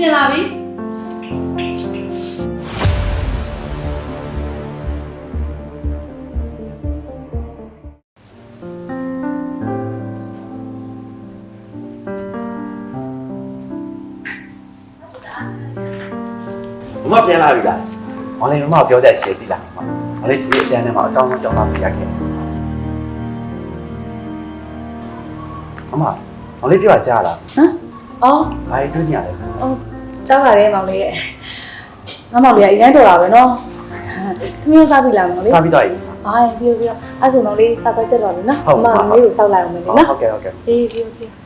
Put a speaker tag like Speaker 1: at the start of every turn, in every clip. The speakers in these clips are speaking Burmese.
Speaker 1: ပြန်လာပြီ
Speaker 2: မပြန်လာပြီလား။မောင်လေးမမပြောတဲ့ရှေ့ပြီလား။မောင်လေးဒီအတန်းထဲမှာအကောင်းဆုံးကြောင်းသားပြရခဲ့။မမောင်လေးပြောကြားလား
Speaker 1: ဟမ်အော်
Speaker 2: ။ဘာတွေတွေ့နေရလဲ
Speaker 1: အော်ကြားပါတယ်မောင်လေးရဲ့ငါမောင်လေးကအရင်တော်တာပဲနော်ခမင်းစားပြီလားမောင်လေး
Speaker 2: ။စားပြီးတော့ပြီ
Speaker 1: အာပြောအဲ့ဆိုမောင်လေးစားသွားချက်တော်ပြီနော်မမလေးကိုစောက်လိုက်အောင်မယ်
Speaker 2: ။
Speaker 1: နော်
Speaker 2: ဟုတ်ကဲ့ဟုတ်ကဲ့
Speaker 1: အေးပြော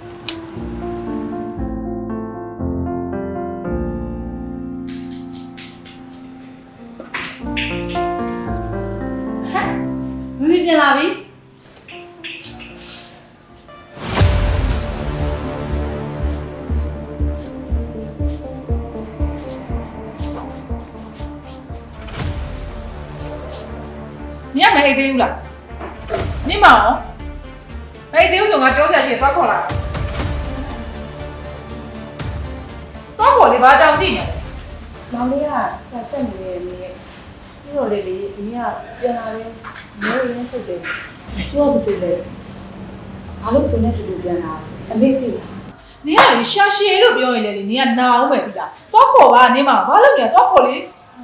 Speaker 1: မမပြန်လာပြီ
Speaker 3: 你也没黑丢了，你忙，黑丢从俺表姐去抓过来，抓过来把奖金呢？
Speaker 1: မောင်လေးကစာချက်နေတယ်မြေပြီးတော့လေဒီကပြန်လာတယ်မျိုးရင်းစစ်တယ်သူကဘာလုပ်လဲဘာလို့သူနဲ့တူတူပြန်လာအမေသိလား
Speaker 3: 你看你下线路表演嘞，你看哪我没得啦？抓过吧，你忙，完了你抓过来。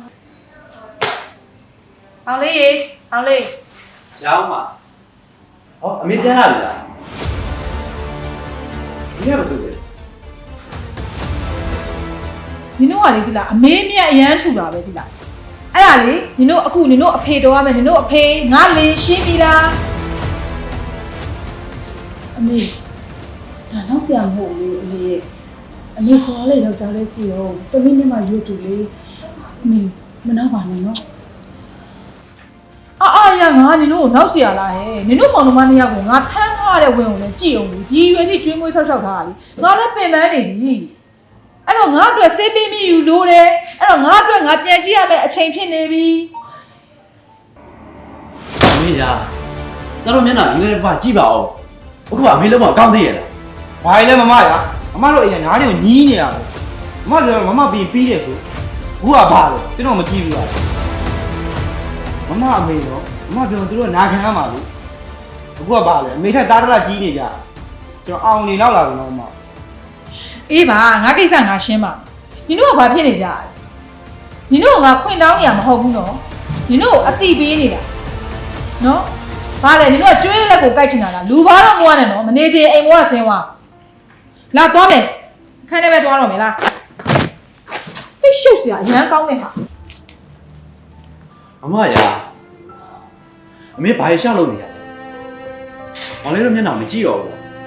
Speaker 1: မောင်လေးရေမောင်လေး
Speaker 2: ။ရောင်းပါ။ဟောအမေပြန်လာပြီလား။ဒီကဘာလုပ်လဲ
Speaker 3: 你弄完了对啦，没面演出了呗对啦。哎呀嘞，你弄အခု你弄အဖေတော်ရမယ်，你弄အဖေငါလင်းရှင်းပြီလား
Speaker 1: အမေဒါတော့ဆရာမဟုတ်ဘူးအမေရဲ့အမေခေါ်လိုက်တော့ကြားလဲကြည့်ရောတမီးနဲ့မှရွတ်တူလေးအမေမနှောက်ပါနဲ့နော်
Speaker 3: အာရငါနင်တို့နောက်เสียလာဟဲ့နင်တို့မောင်နှမနှစ်ယောက်ကိုငါဖမ်းထားတဲ့ဝင်ကိုလည်းကြည့်အောင်လေဒီရွယ်ကြီးကျွေးမွေးဆောက်ရှောက်ထားတာလေငါလည်းပင်ပန်းနေပြီအဲ့တော့ငါအတွက်စေးပေးမိယူလို့တယ်အဲ့တော့ငါအတွက်ငါပြန်ကြည့်ရမယ့်အချိန်ဖြစ်နေပြီ
Speaker 2: ။အမေညာ။တော်တော်မျက်နှာငယ်ပါကြည့်ပါဦး။အခုအမေလုံးမအကောင်းသေးရဲ့လား
Speaker 4: ။ဘာလဲမမရ။မမတို့အရင်နားတွေကိုညီးနေရမယ်။မမပြောမမပြီးတယ်ဆို။အခုကဘာလဲကျွန်တော်မကြည့်ဘူးလား။မမအမေတော့မမပြောသူတို့နာခံရမှာလို့။အခုကဘာလဲအမေထက်သားတရကြီးနေကြ။ကျွန်တော်အောင်နေတော့လာပြီနော်မမ
Speaker 3: အေးပါငါကိစ္စငါရှင်းပါနင်တို့ကဘာဖြစ်နေကြလဲနင်တို့ကခွင့်တောင်းနေရမဟုတ်ဘူးနော်နင်တို့အတိပေးနေတာနော်ဘာလဲနင်တို့ကကျွေးလက်ကိုကိုက်ချင်တာလားလူဘာတော့မွားနဲ့နော်မနေချင်အိမ်ဘွားဆင်းသွားလာသွားမယ်ခန်းထဲပဲသွားတော့မယ်လားစိတ်ရှုပ်စရာအရန်ကောင်းနေဟာ
Speaker 2: ။မမရာ။အမေဘာရှောက်လုပ်နေရလဲ။မောင်လေးတို့မျက်နှာမကြည့်တော့ဘူး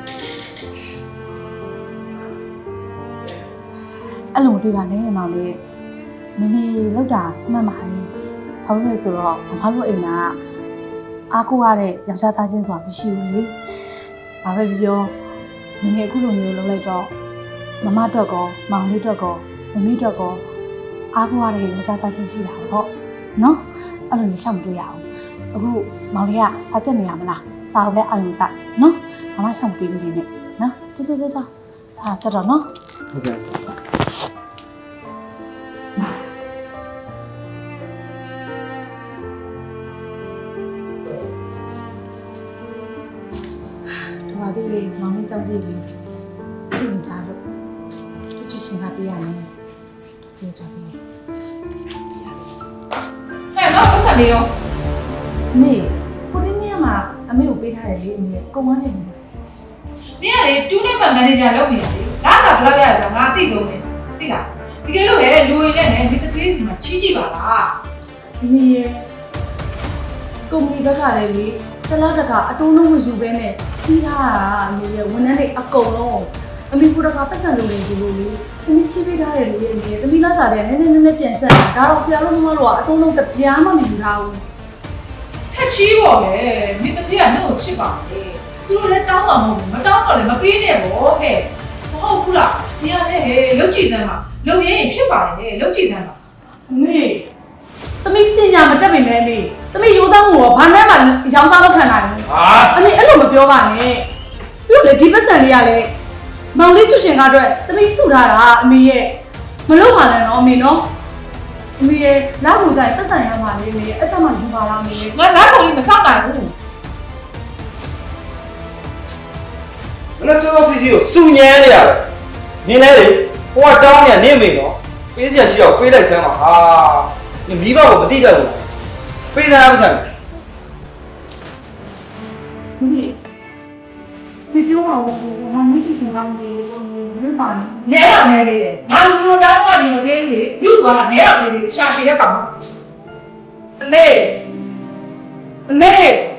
Speaker 1: အဲ့လိုမတွေ့ပါနဲ့မောင်လေးမမေလောက်တာမှတ်ပါလေဘာလို့လဲဆိုတော့မမတို့အိမ်ကအားကိုရတဲ့ယောက်ျားသားချင်းဆိုတာမရှိဘူးလေဘာပဲပြောမမေအခုလိုမျိုးလုပ်လိုက်တော့မမအတွက်ကောမောင်လေးအတွက်ကောမမေအတွက်ကောအားကိုရတဲ့ယောက်ျားသားချင်းရှိတာပေါ့နော်အဲ့လိုမျိုးရှောက်မတွေ့ရအောင်အခုမောင်လေးကစားချက်နေရမလားစားအောင်လဲအာရုံစားနော်မမရှောက်ပေးနေနဲ့နော်တော်စားချက်တော့နော်
Speaker 2: ။ဟုတ်ကဲ့
Speaker 1: ဒီမှာဒီမောင်လေးကြောက်စီလေးရှိနေတာလို့သူချစ်ရှင်ကပြရမယ်ပြောကြတယ်
Speaker 3: ဆန်တော့ဆက်နေရော
Speaker 1: အမေကိုတင်းမြတ်မှာအမေကိုပေးထားတယ်လေအမေကုံဝမ်းနေတယ်
Speaker 3: နင်ကလေတူးနဲ့မန်နေဂျာလုပ်နေတာလေလာစားဘလောက်ရတယ်ငါအသိဆုံးပဲသိလားဒီကလေးလို့ဟဲ့လူရင်နဲ့ဒီတထေးစီမှာချီးကြည့်ပါလား
Speaker 1: အမေရဲ့ကုမ္ပဏီဘက်ကလည်းလေတလားတကအတုံးလုံးမယူဘဲနဲ့ချီးထားတာအမေရဲ့ဝန်ထမ်းတွေအကုန်လုံးအမေကိုတကပတ်စံလုပ်နေစီလို့လေတမီးချီးပေးထားတယ်လေအမေတမီးလာစားတယ်နည်းနည်းပြန်ဆက်တာဒါတော့ဆရာတို့မမတို့ကအတုံးလုံးတပြားမှမယူထားဘူး
Speaker 3: ထက်ချီးပေါ့လေဒီတထေးကနှုတ်ချစ်ပါလေသူတို့လည်းတောင်းမှာမဟုတ်ဘူးမတောင်းတော့လည်းမပေးနဲ့ပေါ့ဟဲ့မဟုတ်ဘူးလားဒီကလည်းဟဲ့လုတ်ကြည့်စမ်းပါလုတ်ရင်ဖြစ်ပါတယ်လုတ်ကြည့်စမ်းပါ
Speaker 1: အမေသမီးပညာမတက်ပေမဲ့အမေသမီးရိုးသားမှုရောဘာမှမရောင်းစားလို့ခံနိုင်ဘူး
Speaker 4: ဟာ
Speaker 1: အမေအဲ့လိုမပြောပါနဲ့ပြီးတော့လေဒီပတ်စံလေးကလည်းမောင်လေးကျွရှင်ကအတွက်သမီးစုထားတာအမေရဲ့မလုပ်ပါနဲ့နော်အမေနော်အမေရဲ့လက်ကိုကြိုင်ပတ်စံရမှာလေအမေရဲ့အဲ့ချက်မှယူပါလားအမေရဲ့
Speaker 3: ငါလက်ကုန်လေးမစောင့်နိုင်ဘူး
Speaker 4: မနေ့စောစောစီစီကိုစူညမ်းနေရတယ်နင်းလဲလေဟိုကတောင်းနေနေမိနော်ပေးစရာရှိတော့ပေးလိုက်စမ်းပါဟာနင်မိဘကိုမသိတတ်ဘူးပေးစမ်းမစမ်း
Speaker 1: ဒီပြောအောင်ဘာမှမရှိချင်တော့လေဘယ်ပါလဲ
Speaker 3: နဲတော့နဲလေးတယ်ငါလူလိုတောင်းတော့ဒီလိုလေးလေပြုတ်သွားတာနဲတော့လေးရှာရှည်ရက်ကောင်အမေအမေ